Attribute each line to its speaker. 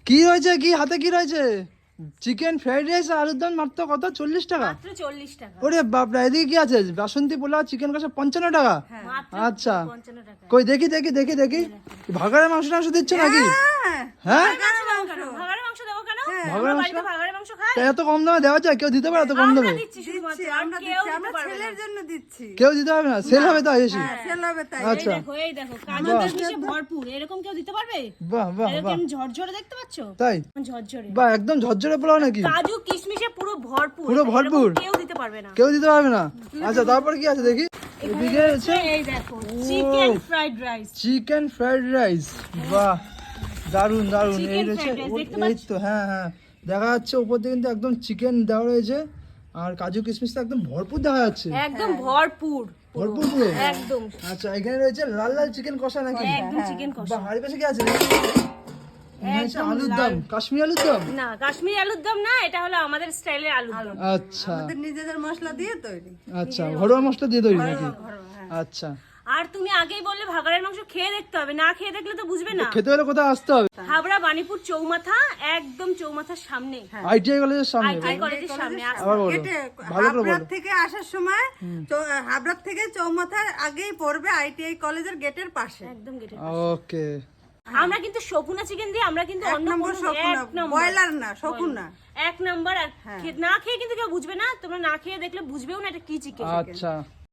Speaker 1: কি রয়েছে, কি হাতে কি রয়েছে? চিকেন ফ্রাইড রাইস আর আলুর দম মাত্র কত? 40 টাকা।
Speaker 2: মাত্র 40 টাকা।
Speaker 1: ওরে বাপরে, এদিকে কি আছে? বাসন্তী পোলাও চিকেন কষা 55 টাকা।
Speaker 2: মাত্র
Speaker 1: আচ্ছা
Speaker 2: 55 টাকা।
Speaker 1: কই দেখি দেখি দেখি দেখি, ভাগাড়ের মাংস টাংস দিচ্ছ নাকি? হ্যাঁ,
Speaker 2: ভাগাড়ের মাংস দেবো কেন?
Speaker 1: ভাগাড়ের মাংস
Speaker 2: বাড়িতে ভাগাড়ের মাংস খায়?
Speaker 1: তা এত কম দামে দেওয়া যায়? কেউ দিতে পারে এত কম দামে?
Speaker 2: আমরা দিচ্ছি শুধুমাত্র, আর কেউ দিতে পারবে না।
Speaker 3: ছেলের জন্য দিচ্ছি।
Speaker 1: কেউ দিতে পারবে না, সেল হবে তো এসে।
Speaker 3: সেল হবে তাই।
Speaker 1: আচ্ছা
Speaker 2: এই দেখো কাজু কিশমিশে ভরপুর, এরকম কেউ দিতে পারবে?
Speaker 1: বাহ বাহ বাহ,
Speaker 2: এরকম ঝরঝরে দেখতে পাচ্ছো?
Speaker 1: তাই?
Speaker 2: ঝরঝরে
Speaker 1: বাহ, একদম ঝরঝরে পোলাও নাকি?
Speaker 2: কাজু কিশমিশে পুরো ভরপুর,
Speaker 1: পুরো ভরপুর।
Speaker 2: এরকম কেউ দিতে পারবে না।
Speaker 1: কেউ দিতে পারবে না। আচ্ছা তারপর কি আছে দেখি? এদিকে আছে
Speaker 2: এই দেখো chicken fried rice.
Speaker 1: Chicken fried rice. বাহ, দারুন দারুন।
Speaker 2: Chicken
Speaker 1: এই রয়েছে,
Speaker 2: fried rice, দেখতে
Speaker 1: এই তো হ্যাঁ হ্যাঁ দেখা যাচ্ছে উপর দিয়ে কিন্তু একদম চিকেন দেওয়া রয়েছে, আর কাজু কিশমিশ তো একদম ভরপুর দেখা যাচ্ছে।
Speaker 2: একদম ভরপুর
Speaker 1: ভরপুর পুরো
Speaker 2: একদম।
Speaker 1: আচ্ছা এখানে রয়েছে লাল লাল চিকেন কষা নাকি?
Speaker 2: একদম চিকেন কষা।
Speaker 1: বাহ, আর পাশে কি আছে? আলুর দম, কাশ্মীরি আলুর দম।
Speaker 2: না কাশ্মীরি আলুর দম না, এটা হলো আমাদের স্টাইলের আলুর দম।
Speaker 1: আচ্ছা
Speaker 3: আমাদের নিজেদের মশলা দিয়ে তৈরি।
Speaker 1: আচ্ছা, ঘরোয়া মশলা দিয়ে তৈরি নাকি? আচ্ছা,
Speaker 2: আর তুমি আগেই বললে ভাগাড়ের মাংস খেয়ে দেখতে হবে, না খেয়ে দেখলে তো বুঝবে না।
Speaker 1: খেতে হলে কোথায় আসতে হবে?
Speaker 2: হাবড়া বাণীপুর চৌমাথা, একদম চৌমাথার সামনে,
Speaker 1: আইটিআই কলেজের সামনে।
Speaker 2: আইটিআই কলেজের সামনে।
Speaker 1: আবার বলো,
Speaker 3: গেটে
Speaker 1: ভালো করে
Speaker 3: হাবড়ার
Speaker 1: বলো।
Speaker 3: থেকে আসার সময় হাবড়ার থেকে চৌমাথার আগেই পড়বে আইটিআই কলেজের গেটের পাশে।
Speaker 2: একদম গেটে।
Speaker 1: ওকে,
Speaker 2: আমরা কিন্তু শকুনা চিকেন দিই, আমরা কিন্তু অন্য
Speaker 3: নম্বর
Speaker 2: কোনো
Speaker 3: শকুনা,
Speaker 2: এক নম্বর
Speaker 3: ব্রয়লার না, শকুনা।
Speaker 2: এক নম্বর। আর না খেয়ে কিন্তু কেউ বুঝবে না, তোমরা না খেয়ে দেখলে বুঝবেও না এটা কি চিকেন।
Speaker 1: আচ্ছা